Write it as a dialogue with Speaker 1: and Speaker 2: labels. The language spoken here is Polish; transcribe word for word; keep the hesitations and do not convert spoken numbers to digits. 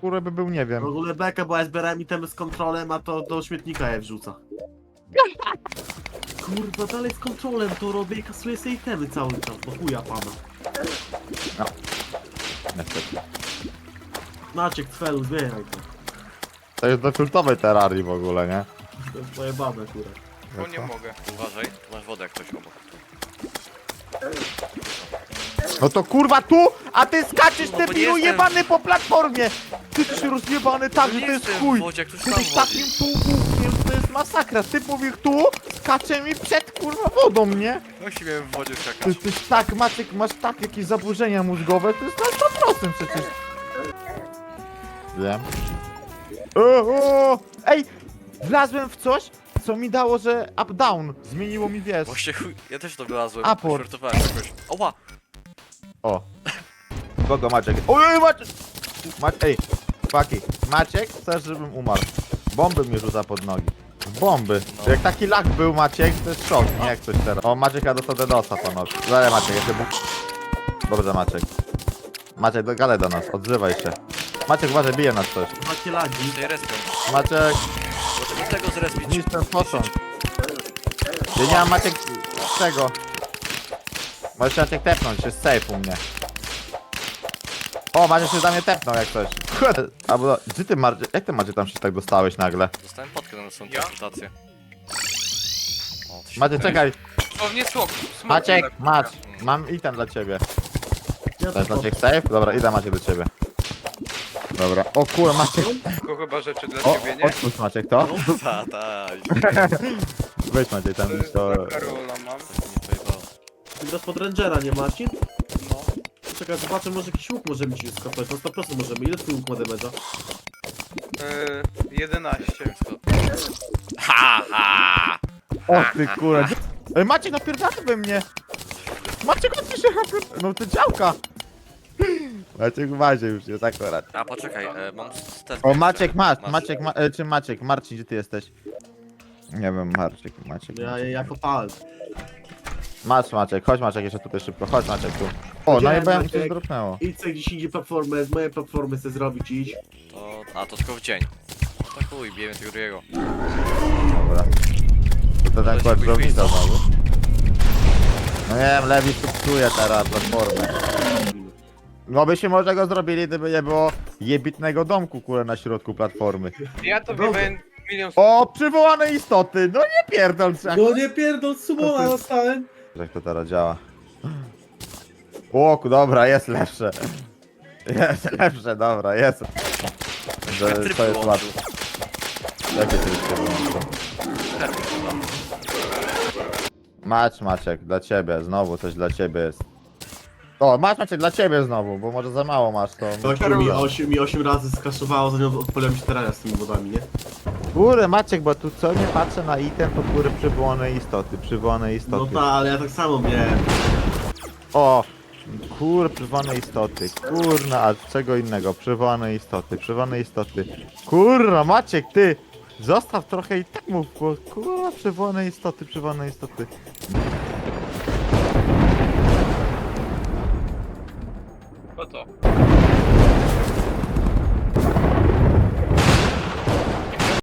Speaker 1: kurwa by był, nie
Speaker 2: W
Speaker 1: wiem.
Speaker 2: ogóle beka, bo ja zbierałem itemy z kontrolem, a to do śmietnika je wrzuca. Kurwa, dalej z kontrolem to robię i kasuję sobie itemy cały czas, bo chuja pana.
Speaker 1: Niestety.
Speaker 2: Maciek, Twelu, zmieniaj to.
Speaker 1: To jest do kultowej terrarii w ogóle, nie?
Speaker 2: To jest pojebane, kurwa.
Speaker 3: Bo nie mogę.
Speaker 4: Uważaj, tu masz wodę jak ktoś obok.
Speaker 1: No to kurwa tu, a ty skaczesz,
Speaker 4: No bo nie
Speaker 1: debilu
Speaker 4: jestem-
Speaker 1: jebany po platformie! Ty jesteś rozjebany tak,
Speaker 4: No
Speaker 1: że
Speaker 4: nie
Speaker 1: to jest
Speaker 4: jestem
Speaker 1: chuj!
Speaker 4: w wodzie, jak ktoś
Speaker 1: Ty
Speaker 4: tam
Speaker 1: jesteś
Speaker 4: wodzi.
Speaker 1: takim półgłówkiem, że to jest masakra. Ty mówisz tu, skacze mi przed kurwa wodą, nie?
Speaker 4: Musi miałem w wodzie
Speaker 1: Ty
Speaker 4: skakać.
Speaker 1: jesteś tak, Maciek, masz tak jakieś zaburzenia mózgowe, to jest na sto procent przecież. Wiem. O, o, ej! Wlazłem w coś, co mi dało, że up-down. Zmieniło mi, wiesz.
Speaker 4: Właśnie chuj, ja też to wylazłem.
Speaker 1: Aport.
Speaker 4: Żartowałem jakoś. Oła!
Speaker 1: O. Kogo Maciek? Ojej, Maciek! Maciek, ej, chłopaki, Maciek, chcesz, żebym umarł. Bomby mnie rzuca pod nogi. Bomby.
Speaker 4: No.
Speaker 1: Jak taki lag był Maciek, to jest szok, nie jak coś teraz. O, Maciek, ja dostał DDoSa panowie. Dalej Maciek, jeszcze bóg. Dobrze Maciek. Maciek, do gale do nas, odzywaj się. Maciek, uważaj, bije nas coś.
Speaker 2: Macie lagi.
Speaker 4: Tej respią.
Speaker 1: Maciek,
Speaker 4: Bo to tego zrespić.
Speaker 1: zniszcz ten posąg. Ja nie mam Maciek tego. Możesz się Maciek tepnąć, jest safe u mnie. O, Maciek się za mnie tepnął jak coś. Kurde, albo, gdzie ty Marcie, jak ty Maciek tam się tak dostałeś nagle?
Speaker 4: Dostałem potkę na następną
Speaker 3: Ja?
Speaker 4: konsultację. O, to się
Speaker 1: Maciek, czekaj.
Speaker 3: O, nie smok. smok
Speaker 1: Maciek,
Speaker 3: tak,
Speaker 1: Macz, mam item dla ciebie.
Speaker 2: Ja
Speaker 1: To jest
Speaker 2: to
Speaker 1: Maciek safe? Dobra, idę Maciek do ciebie. Dobra, o kurwa Maciek.
Speaker 3: Tylko chyba rzeczy dla
Speaker 1: O,
Speaker 3: ciebie, nie?
Speaker 1: odpuść Maciek to.
Speaker 4: Ta, ta.
Speaker 1: Weź Maciek tam
Speaker 3: To
Speaker 1: to.
Speaker 3: dla Karola mam.
Speaker 4: Nie pojebało.
Speaker 2: Ty grasz pod Rangera, nie Marcin?
Speaker 3: No.
Speaker 2: Czekaj, zobaczę, może jakiś łuk możemy ci skopać. No sto procent możemy. Ile twój łuk ma damage'a?
Speaker 3: Yy, jedenaście.
Speaker 4: Ha, ha!
Speaker 1: O ty kurwa. Ej, Maciek napierdala we mnie. Maciek odpisz się napierdala. No to działka. Maciek w bazie już jest akurat.
Speaker 4: A poczekaj, e, mam stes.
Speaker 1: O Maciek, masz, Maciek, ma, e, czy Maciek, Marcin, gdzie ty jesteś? Nie wiem, Marcin, Maciek.
Speaker 2: Ja, ja,
Speaker 1: Maciek.
Speaker 2: ja kopałem.
Speaker 1: Masz Maciek, chodź Maciek jeszcze tutaj szybko, chodź Maciek tu. O,
Speaker 2: Gdzie,
Speaker 1: no i bym
Speaker 2: Maciek?
Speaker 1: się zdropnęło.
Speaker 2: Idź sobie gdzieś indziej platformę, z mojej platformy chcę zrobić, idź.
Speaker 4: To, a to tylko w dzień. Tak chuj, bijemy tego drugiego.
Speaker 1: Dobra. To to ten
Speaker 4: Ale
Speaker 1: kład
Speaker 4: się
Speaker 1: drobnica
Speaker 4: później
Speaker 1: znowu. No nie wiem, Lewi subsuje teraz platformę. No by się może go zrobili, gdyby nie było jebitnego domku, kurde, na środku platformy.
Speaker 3: Ja to
Speaker 2: Dobra.
Speaker 3: wiem milion...
Speaker 1: O, przywołane istoty! No nie pierdol się.
Speaker 2: No nie pierdol, sumona dostałem.
Speaker 1: Jak to teraz działa? O, ku- dobra, jest lepsze. Jest lepsze, dobra, jest. To,
Speaker 4: Tryb
Speaker 1: to jest
Speaker 4: wyłączył.
Speaker 1: łatwe. Jakie tryb się wyłączył? Macz, Maciek, dla ciebie, znowu coś dla ciebie jest. O, masz Maciek dla ciebie znowu, bo może za mało masz to.
Speaker 2: Osiem mi, osiem, mi osiem razy skaszowało, zanim odpaliłem się terenia z tymi wodami, nie?
Speaker 1: Góry Maciek, bo tu co nie patrzę na item, to góry przywołane istoty, przywołane
Speaker 2: No
Speaker 1: istoty.
Speaker 2: tak, ale ja tak samo miałem.
Speaker 1: O! Kur, przywołane istoty. Kurna, a czego innego? Przywołane istoty, przywołane istoty. Kurna, Maciek, ty! Zostaw trochę i tak mów, kur- kurwa, przywołane istoty, przywołane istoty.
Speaker 3: Po to.